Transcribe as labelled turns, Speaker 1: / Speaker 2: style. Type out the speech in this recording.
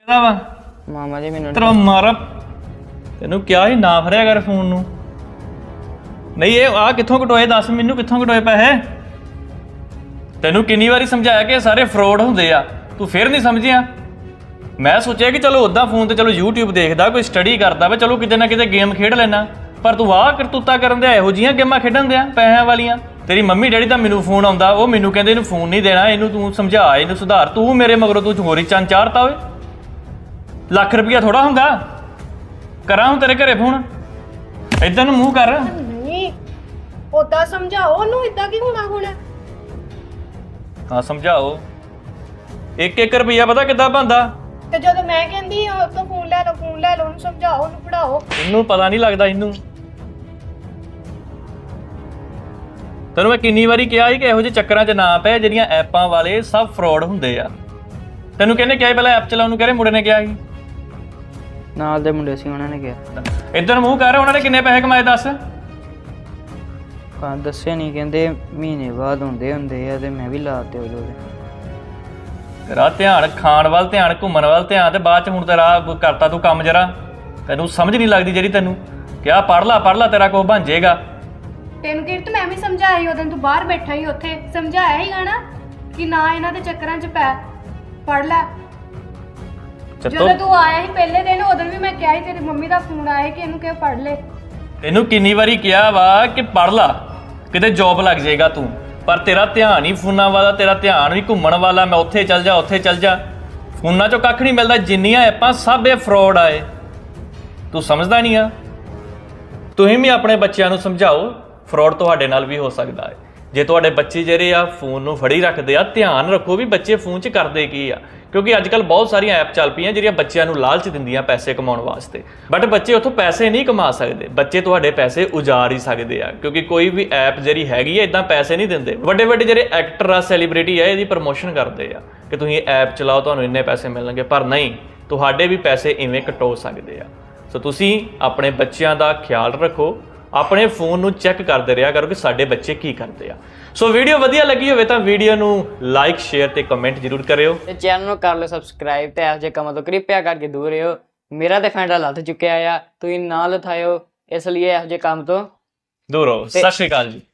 Speaker 1: ਵਾ
Speaker 2: ਮਾਮਾ ਜੀ ਮੈਨੂੰ
Speaker 1: ਤੇਰਾ ਮਾਰਾ ਤੈਨੂੰ ਕਿਹਾ ਸੀ ਨਾ ਫੜਿਆ ਕਰ ਫੋਨ ਨੂੰ। ਨਹੀਂ ਇਹ ਆ ਕਿੱਥੋਂ ਕਟੋਏ ਦੱਸ ਮੈਨੂੰ, ਕਿੱਥੋਂ ਕਟੋਏ ਪੈਸੇ? ਤੈਨੂੰ ਕਿੰਨੀ ਵਾਰੀ ਸਮਝਾਇਆ ਕਿ ਇਹ ਸਾਰੇ ਫਰੋਡ ਹੁੰਦੇ ਆ, ਤੂੰ ਫਿਰ ਨਹੀਂ ਸਮਝਿਆ। ਮੈਂ ਸੋਚਿਆ ਕਿ ਚਲੋ ਉੱਦਾਂ ਫੋਨ ਤੇ ਚਲੋ YouTube ਦੇਖਦਾ, ਕੋਈ ਸਟੱਡੀ ਕਰਦਾ ਵਾ, ਚਲੋ ਕਿਤੇ ਨਾ ਕਿਤੇ ਗੇਮ ਖੇਡ ਲੈਣਾ, ਪਰ ਤੂੰ ਆਹ ਕਰਤੂਤਾ ਕਰਨ ਦੇ ਇਹੋ ਜਿਹੀਆਂ ਗੇਮਾਂ ਖੇਡਣ ਦਿਆਂ ਪੈਸਿਆਂ ਵਾਲੀਆਂ। ਤੇਰੀ ਮੰਮੀ ਡੈਡੀ ਦਾ ਮੈਨੂੰ ਫੋਨ ਆਉਂਦਾ, ਉਹ ਮੈਨੂੰ ਕਹਿੰਦੇ ਇਹਨੂੰ ਫੋਨ ਨਹੀਂ ਦੇਣਾ, ਇਹਨੂੰ ਤੂੰ ਸਮਝਾ, ਇਹਨੂੰ ਸੁਧਾਰ। ਤੂੰ ਮੇਰੇ ਮਗਰੋਂ ਤੂੰ ਹੋਰ ਹੀ ਚੰਨ ਚਾੜਤਾ ਓਏ। ਲੱਖ ਰੁਪਇਆ ਥੋੜਾ ਹੁੰਦਾ। ਕਰਾਂ ਹੁਣ ਤੇਰੇ ਘਰੇ ਫੋਨ? ਏਦਾਂ ਨੂੰ ਮੂੰਹ ਕਰ।
Speaker 3: ਨਹੀਂ ਉਦਾਂ ਸਮਝਾਓ ਉਹਨੂੰ, ਇਦਾਂ ਕੀ ਹੋਣਾ ਹੁਣ?
Speaker 1: ਹਾਂ ਸਮਝਾਓ। 1-1 ਰੁਪਈਆ ਪਤਾ ਕਿੱਦਾਂ ਬਣਦਾ?
Speaker 3: ਤੇ ਜਦੋਂ ਮੈਂ ਕਹਿੰਦੀ ਉਹ ਤੋਂ ਫੋਨ ਲੈ ਲਓ, ਫੋਨ ਲੈ ਲਓ, ਉਹਨੂੰ ਸਮਝਾਓ, ਉਹਨੂੰ ਪੜਾਓ।
Speaker 1: ਇਹਨੂੰ ਪਤਾ ਨਹੀਂ ਲੱਗਦਾ। ਇਹਨੂੰ ਤੈਨੂੰ ਮੈਂ ਕਿੰਨੀ ਵਾਰੀ ਕਿਹਾ ਸੀ ਕਿ ਇਹੋ ਜਿਹੇ ਚੱਕਰਾਂ 'ਚ ਨਾ ਪੈ, ਜਿਹੜੀਆਂ ਐਪਾਂ ਵਾਲੇ ਸਭ ਫਰੋਡ ਹੁੰਦੇ ਆ। ਤੈਨੂੰ ਕਹਿੰਦੇ ਕਿਹਾ ਪਹਿਲਾਂ ਐਪ ਚਲਾਉਣ ਨੂੰ, ਕਹਿ ਰਹੇ ਮੁੰਡੇ ਨੇ ਕਿਹਾ ਸੀ
Speaker 2: ਨਾਲ ਦੇ ਮੁੰਡੇ ਸੀ, ਉਹਨਾਂ ਨੇ ਕਿਹਾ।
Speaker 1: ਇੱਧਰ ਮੂੰਹ ਕਰ। ਉਹਨਾਂ ਨੇ ਕਿੰਨੇ ਪੈਸੇ ਕਮਾਏ ਦੱਸ?
Speaker 2: ਦੱਸਿਆ ਨਹੀਂ, ਕਹਿੰਦੇ ਮਹੀਨੇ ਬਾਅਦ ਹੁੰਦੇ ਆ ਤੇ ਮੈਂ ਵੀ ਲਾਤੇ ਉਹਦੇ।
Speaker 1: ਤੇਰਾ ਧਿਆਨ ਖਾਣ ਵੱਲ, ਧਿਆਨ ਘੁੰਮਣ ਵੱਲ ਧਿਆਨ, ਤੇ ਬਾਅਦ 'ਚ ਹੁਣ ਤੇਰਾ ਕਰਤਾ ਤੂੰ ਕੰਮ ਜਰਾ। ਤੈਨੂੰ ਸਮਝ ਨਹੀਂ ਲੱਗਦੀ ਜਿਹੜੀ ਤੈਨੂੰ ਕਿਹਾ ਪੜ੍ਹ ਲਾ ਤੇਰਾ ਕੁਛ ਬਣ ਜਾਏਗਾ।
Speaker 3: ਤੈਨੂੰ ਕਿਰਤ ਮੈਂ ਵੀ ਸਮਝਾਇਆ ਉਦੋਂ, ਤੂੰ ਬਾਹਰ ਬੈਠਾ ਹੀ ਉੱਥੇ ਸਮਝਾਇਆ ਹੀਗਾ ਨਾ ਕਿ ਨਾ ਇਹਨਾਂ ਦੇ ਚੱਕਰਾਂ 'ਚ ਪੈ, ਪੜ ਲੈ। ਜਦੋਂ ਤੂੰ ਆਇਆ ਸੀ ਪਹਿਲੇ ਦਿਨ, ਉਦੋਂ ਵੀ ਮੈਂ ਕਿਹਾ ਸੀ, ਤੇਰੀ ਮੰਮੀ ਦਾ ਫੋਨ ਆਇਆ ਕਿ ਇਹਨੂੰ ਕਿਹਾ ਪੜ ਲੈ।
Speaker 1: ਤੈਨੂੰ ਕਿੰਨੀ ਵਾਰੀ ਕਿਹਾ ਵਾ ਕਿ ਪੜ੍ਹ ਲਾ, ਕਿਤੇ ਜੌਬ ਲੱਗ ਜਾਏਗਾ ਤੂੰ, ਪਰ ਤੇਰਾ ਧਿਆਨ ਹੀ ਫੋਨਾਂ ਵਾਲਾ, ਤੇਰਾ ਧਿਆਨ ਵੀ ਘੁੰਮਣ ਵਾਲਾ। ਮੈਂ ਉੱਥੇ ਚੱਲ ਜਾ, ਉੱਥੇ ਚੱਲ ਜਾ। ਫੋਨਾਂ 'ਚੋਂ ਕੱਖ ਨਹੀਂ ਮਿਲਦਾ। ਜਿੰਨੀਆਂ ਐਪਾਂ ਸਭ ਇਹ ਫਰੋਡ ਆਏ, ਤੂੰ ਸਮਝਦਾ ਨਹੀਂ ਆ। ਤੁਸੀਂ ਵੀ ਆਪਣੇ ਬੱਚਿਆਂ ਨੂੰ ਸਮਝਾਓ, ਫਰੋਡ ਤੁਹਾਡੇ ਨਾਲ ਵੀ ਹੋ ਸਕਦਾ ਹੈ। ਜੇ ਤੁਹਾਡੇ ਬੱਚੇ ਜਿਹੜੇ ਆ ਫੋਨ ਨੂੰ ਫੜੀ ਰੱਖਦੇ ਆ, ਧਿਆਨ ਰੱਖੋ ਵੀ ਬੱਚੇ ਫੋਨ 'ਚ ਕਰਦੇ ਕੀ ਆ, ਕਿਉਂਕਿ ਅੱਜ ਕੱਲ੍ਹ ਬਹੁਤ ਸਾਰੀਆਂ ਐਪ ਚੱਲ ਪਈਆਂ ਜਿਹੜੀਆਂ ਬੱਚਿਆਂ ਨੂੰ ਲਾਲਚ ਦਿੰਦੀਆਂ ਪੈਸੇ ਕਮਾਉਣ ਵਾਸਤੇ। ਬਟ ਬੱਚੇ ਉੱਥੋਂ ਪੈਸੇ ਨਹੀਂ ਕਮਾ ਸਕਦੇ, ਬੱਚੇ ਤੁਹਾਡੇ ਪੈਸੇ ਉਜਾੜ ਹੀ ਸਕਦੇ ਆ, ਕਿਉਂਕਿ ਕੋਈ ਵੀ ਐਪ ਜਿਹੜੀ ਹੈਗੀ ਆ ਇਦਾਂ ਪੈਸੇ ਨਹੀਂ ਦਿੰਦੇ। ਵੱਡੇ ਵੱਡੇ ਜਿਹੜੇ ਐਕਟਰ ਆ, ਸੈਲੀਬ੍ਰਿਟੀ ਆ, ਇਹਦੀ ਪ੍ਰਮੋਸ਼ਨ ਕਰਦੇ ਆ ਕਿ ਤੁਸੀਂ ਇਹ ਐਪ ਚਲਾਓ, ਤੁਹਾਨੂੰ ਇੰਨੇ ਪੈਸੇ ਮਿਲਣਗੇ, ਪਰ ਨਹੀਂ, ਤੁਹਾਡੇ ਵੀ ਪੈਸੇ ਇਵੇਂ ਕਟੋ ਸਕਦੇ ਆ। ਸੋ ਤੁਸੀਂ ਆਪਣੇ ਬੱਚਿਆਂ ਦਾ ਖਿਆਲ ਰੱਖੋ, ਆਪਣੇ ਫੋਨ ਨੂੰ ਚੈੱਕ ਕਰਦੇ ਰਿਹਾ ਕਰੋ ਕਿ ਸਾਡੇ ਬੱਚੇ ਕੀ ਕਰਦੇ ਆ। ਸੋ ਵੀਡੀਓ ਵਧੀਆ ਲੱਗੀ ਹੋਵੇ ਤਾਂ ਵੀਡੀਓ ਨੂੰ ਲਾਈਕ, ਸ਼ੇਅਰ ਤੇ ਕਮੈਂਟ ਜ਼ਰੂਰ ਕਰਿਓ।
Speaker 2: ਤੇ ਚੈਨਲ ਨੂੰ ਕਰ ਲਓ ਸਬਸਕ੍ਰਾਈਬ ਤੇ ਇਹੋ ਜਿਹੇ ਕੰਮਾਂ ਤੋਂ ਕਿਰਪਾ ਕਰਕੇ ਦੂਰ ਰਹੋ। ਮੇਰਾ ਤੇ ਫੈਂਡਾ ਲੱਥ ਚੁੱਕਿਆ ਆ, ਤੁਸੀਂ ਨਾ ਲਥਾਇਓ, ਇਸ ਲਈ ਇਹੋ ਜਿਹੇ ਕੰਮ ਤੋਂ
Speaker 1: ਦੂਰ ਰਹੋ। ਸਤਿ ਸ਼੍ਰੀ ਅਕਾਲ ਜੀ।